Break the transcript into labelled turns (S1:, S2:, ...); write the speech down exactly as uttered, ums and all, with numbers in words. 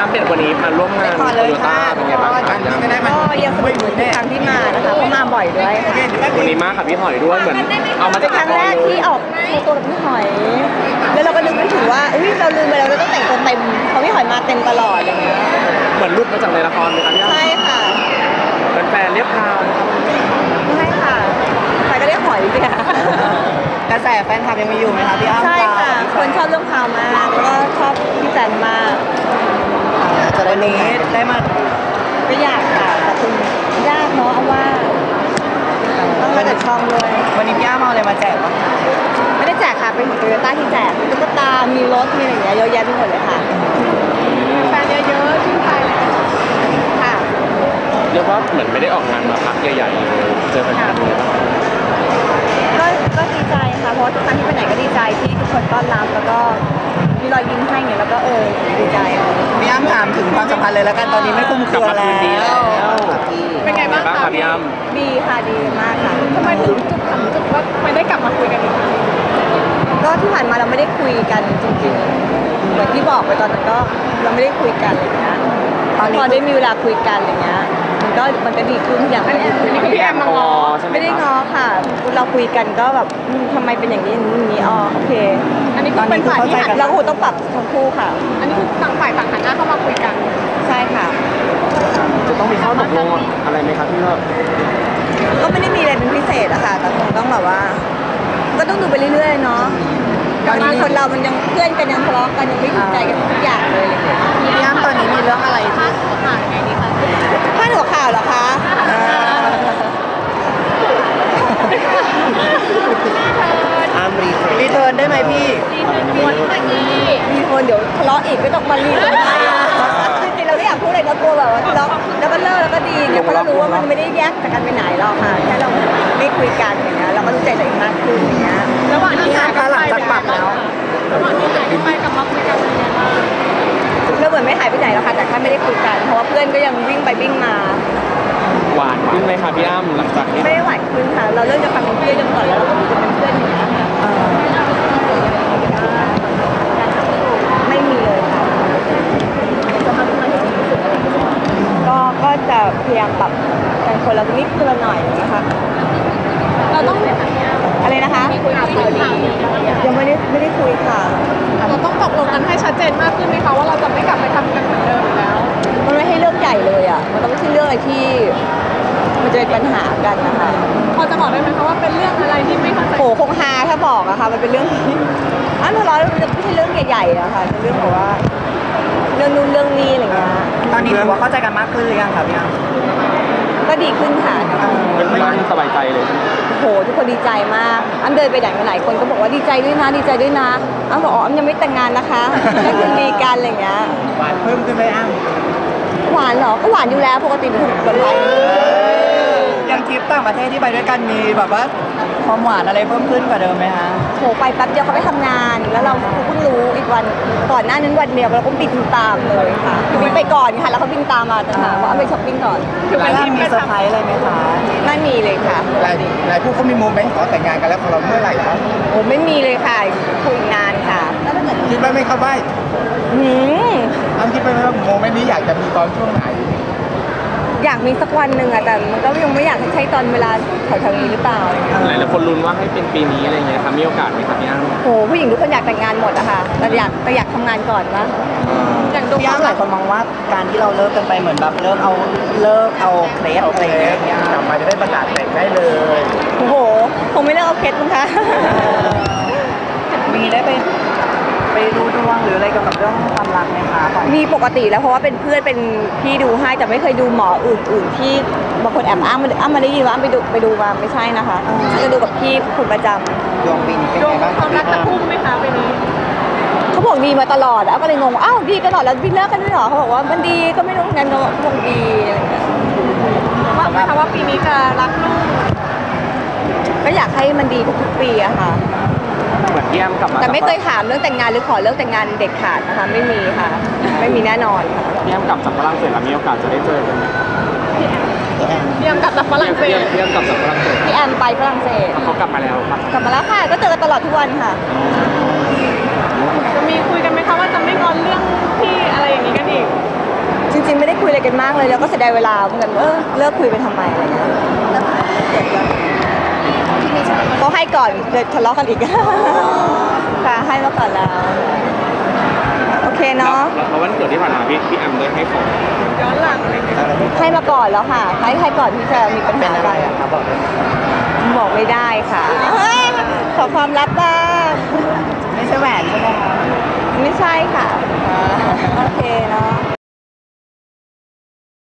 S1: อ้ำเป็นวันนี้มาร่วมงานโตโยต้าเป็นไงบ้างครับ
S2: ก็ยังสนุกเหมือนทุกครั้งที่มานะคะเพราะมาบ่อยด้วย
S1: วันนี้มากับพี่หอยด้วยเหมือนเอามาจาก
S2: ครั้งแรกที่ออกโชว์ตัวกับพี่หอย แล้วเราก็นึกไม่ถึงว่าอุ้ยเราลืมไปแล้วเราต้องแต่งตัวเต็มเพราะพี่หอยมาเต็มตลอดอะไรเงี้ย
S1: เหมือนรุดมาจากในละครไหมครับพี่อ้ำ
S2: ใช่ค่ะ
S1: แฟนเรียกพาวนะครับ
S2: ใช่ค่ะใครก็เรียกหอยสิค่ะ
S3: กระแสแฟนคลับยังมีอยู่ไหมคะพี่อ้ำ
S2: ใช่ค่ะคนชอบเรื่องพาวมากแล้วก็ชอบพี่แจนมาก
S3: จะวันนี้ได้มา
S2: ก็อยากค่ะแต่คุณยากเนาะเอาว่าต้องมาจากช่องด้วย
S3: วันนี้พี่อ้ำเอาอะไรมาแจกบ้าง
S2: ไม่ได้แจกค่ะเป็นของโตโยต้าที่แจกมีตุ๊กตามีรถมีอะไรอย่างเงี้ยเยอะแยะไปหมดเลยค่ะแฟนเยอะๆชื่นใจเลยค่ะ
S1: เรียกว่าเหมือนไม่ได้ออกงานมาพักใหญ่ๆเลยเจอแฟนๆเลย
S2: ก็ก็ดีใจค่ะเพราะทุกครั้งที่ไปไหนก็ดีใจที่ทุกคนต้อนรับแล้วก็มีรอยยิ้มให้เนี่ยแล้วก็เออดีใจ
S3: พี่อ้ำถามถึงความสัมพันธ์เลยแล้วกันตอนนี้ไม่คุ้มเครือแล้ว
S2: เป็นไงบ้างคะ
S1: พี่อ้ำ
S2: ดีค่ะดีมากค่ะ
S4: ทำไมถึงจุดถึงจุดว่าไม่ได้กลับมาคุยกันอีก
S2: ก็ที่ผ่านมาเราไม่ได้คุยกันจริงๆเหมือนที่บอกไปตอนนั้นก็เราไม่ได้คุยกันอะไรเงี้ยพอได้มีเวลาคุยกันอะไรเงี้ยมันก็มันก็ดีขึ้นทุกอย่าง
S4: อันนี้คือพี่แอมมางอ
S2: ไม่ได้งอค่ะเราคุยกันก็แบบทำไมเป็นอย่างนี้อย่างนี้อ๋อโอเค
S4: อันนี้คือเป็นฝ่ายที่
S2: เราคงต้องปรับทั้งคู่ค่ะ
S4: อันนี้คือต่างฝ่ายต่างหันหน้าเข้ามาคุยกัน
S2: ใช่ค่ะ
S1: จะต้องมีข้อตกลงอะไรไหมครับพี่ว่า
S2: ก็ไม่ได้มีอะไรเป็นพิเศษอะค่ะแต่คงต้องแบบว่าก็ต้องดูไปเรื่อยๆเนาะบางคนเรามันยังเพื่อนกันยังทะเลาะกันยังไม่ถูกใจกันทุกอย่างเลยอะไรเงี้ย
S3: พี่อ้ำตอนนี้มีเรื่องอะไรที่
S4: ผ่านไงดีคะ
S2: พาดหัวข่าวเหรอคะ
S3: อ้ำรีเทิร์นรีเทิร์นได้ไหมพี่
S4: รีเทิร์นแบบนี้
S2: มีคนเดี๋ยวทะเลาะอีกไม่ต้องมารีเลยจริงๆเราไม่อยากพูดอะไรก็กลัวแบบว่าทะเลาะแล้วก็เลิกแล้วก็ดีเนี่ยเพราะเรารู้ว่ามันไม่ได้แยกจากกันไปไหนหรอกค่ะแค่เราไม่คุยกันอย่างเงี้ยเราก็รู้ใจตัวเองมากขึ้นอย่างเงี้ย
S4: ระหว่างที่หาย
S3: หลังจากปรับแล้ว
S4: ระหว่างที่หายไปกลับมาคุยกันเป็นยังไงบ้าง
S2: เราเหมือนไม่หายไปไหนหรอกค่ะแต่แค่ไม่ได้คุยกันเพราะว่าเพื่อนก็ยังวิ่งไปวิ่งมา
S1: หวานขึ้นไหมคะพี่อ้ำหลังจากนี้
S2: ไม่ได้หวานขึ้นค่ะเราเริ่มจะความเป็นเพื่อนกันก่อนแล้วเราก็คุยกันเป็นเพื่อนอย่างเงี้ยไม่มีเลยค่ะก็ก็จะพยายามปรับกันคนละนิดคนละหน่อยนะคะ
S4: เราต้อง
S2: อะไรนะคะยังไม่ได้ไม่ได้คุยค่ะ
S4: เราต้องตกลงกันให้ชัดเจนมากขึ้นไหมคะว่าเราจะไม่กลับไปทำกันเหมือนเดิมแล้ว
S2: มันไม่ให้เรื่องใหญ่เลยอ่ะมันต้องไม่ใช่เรื่องอะไรที่มันจะเป็นปัญหากันนะคะ
S4: พอจะบอกได้ไหมคะว่าเป็นเรื่องอะไรที่ไม่เข้าใจ
S2: โหคงฮาถ้าบอกอะค่ะมันเป็นเรื่องที่อันทะเลาะมันไม่ใช่เรื่องใหญ่ๆอะค่ะเป็นเรื่องแบบว่าเรื่องนู้นเรื่องนี้อะไรเงี้ย
S3: ตอนนี้ถือว่าเข้าใจกันมากขึ้นหรือยังครับพี่อ้ำ
S2: ก็ดีขึ้นค่ะ
S1: ไม่ไม่สบายใจเลย
S2: โหทุกคนดีใจมากอันเดินไปไหนมาไหนคนก็บอกว่าดีใจด้วยนะดีใจด้วยนะอันบอกอ๋ออันยังไม่แต่งงานนะคะก็คือดีกันอะไรเงี้ย
S3: หวานเพิ่มขึ้นไหมอ้
S2: ำหวานเหรอก็หวานอยู่แล้วปกติเป็นคนหวาน
S3: ยังทริปต่างประเทศที่ไปด้วยกันมีแบบว่าความหวานอะไรเพิ่มขึ้นกว่าเดิมไหมคะ
S2: โหไปแป๊บเดียวเขาไปทำงานแล้วเราเพิ่งรู้อีกวันก่อนหน้านั้นวันเดียวเราก็บินตามเลยค่ะบินไปก่อนค่ะแล้วเขาบินตามมาจะถามว่าไปช้อปปิ้งก่อน
S3: คือเวลามีเซอร์ไพรส์อะไรไหมคะ
S2: ไม่มีเลยค่ะ
S3: หลายหลายผู้เขามีโมเมนต์ขอแต่งงานกันแล้วของเราเมื่อไหร่ครับ
S2: โอ้ไม่มีเลยค่ะคุยนานค่ะ
S3: คิดว่าไม่เข้าใบ
S2: หืม
S3: อ้ำคิดว่าโมเมนต์นี้อยากจะมีตอนช่วงไหน
S2: อยากมีสักวันหนึ่งอะแต่มันก็ยังไม่อยากใช้ตอนเวลาแถวๆนี้หรือเปล่า
S1: หลายๆคนลุ้นว่าให้เป็นปีนี้อะไรเงี้ยครับมีโอกาสไหมครับพี่อ้ำ
S2: โหผู้หญิงทุกคนอยากแต่งงานหมดอะค่ะแต่อยากแต่อยากทำงานก่อนวะ
S3: อย่างดูพี่อ้ำหลายคนมองว่าการที่เราเลิกกันไปเหมือนแบบเลิกเอาเลิกเอาเคล็ดอะไรอย่างเงี้ยกลับมาจะได้ประกาศแต่งได้เลย
S2: โอ้โหคงไม่เลิกเอาเคล็ดมั้งคะ
S3: มีได้ไปไปดูดวงหรืออะไรเกี่ยวกับเรื่องความรักไหมคะ
S2: มีปกติแล้วเพราะว่าเป็นเพื่อนเป็นพี่ดูให้แต่ไม่เคยดูหมออื่นๆที่บางคนแอบอ้างอ้างมาได้ยินว่าอ้างไปดูไปดูมาไม่ใช่นะคะจะดูกับพี่คนประจำ
S3: ดวงปีนี้เป็นไงบ้าง
S4: ความรักจะพุ่งไหมคะปีนี้
S2: เขาบอกดีมาตลอดอ้าวก็เลยงงอ้าวดีตลอดแล้วพี่เลิกกันด้วยเหรอเขาบอกว่ามันดีก็ไม่รู้งั้นก็คงดีอะไรอย่างเงี้ย
S4: ว่าไหมคะว่าปีนี้จะรักลูก
S2: ก็อยากให้มันดีทุกๆปีอะค่ะ
S1: เหมือนพี่อ้ำกลับมา
S2: แต่ไม่เคยถามเรื่องแต่งงานหรือขอเรื่องแต่งงานเด็กขาดนะคะไม่มีค่ะไม่มีแน่นอนค่ะ
S1: พี่อ้ำกลับจากฝรั่งเศสแล้วมีโอกาสจะได้เจอกันไหม
S4: พี่แอมกลับจากฝรั่งเศส
S1: พี่แอมกลับจากฝรั่งเศส
S2: พี่แอมไปฝรั่งเศส
S1: เขากลับมาแล้วครับ
S2: กลับมาแล้วค่ะก็เจอกันตลอดทุกวันค่ะ
S4: จะมีคุยกันไหมคะว่าจะไม่งอนเรื่องที่อะไรอย่างนี้กันอีก
S2: มากเลยแล้วก็เสียดายเวลาเหมือนกันเออเลิกคุยไปทำไมอะไรเงี้ยเขาให้ก่อนเลยทะเลาะกันอีกค่ะให้มาก่อนแล้วโอเคเนาะ
S1: แล้ววันเกิดที่ผ่านมาพี่พี่แอมได้ให้ของ
S4: ย้อนหลังอะไรอย่างเงี้ย
S2: ให้มาก่อนแล้วค่ะให้ให้ก่อนที่จะมีปัญ
S3: เป็น
S2: หา
S3: อะไร
S2: กัน
S3: อะครับบอกเลย
S2: บอกไม่ได้ค่ะขอความลับบ้าง
S3: ไม่ใช่แหวนใช่ไหมคะ
S2: ไม่ใช่ค่ะโอเคเนาะ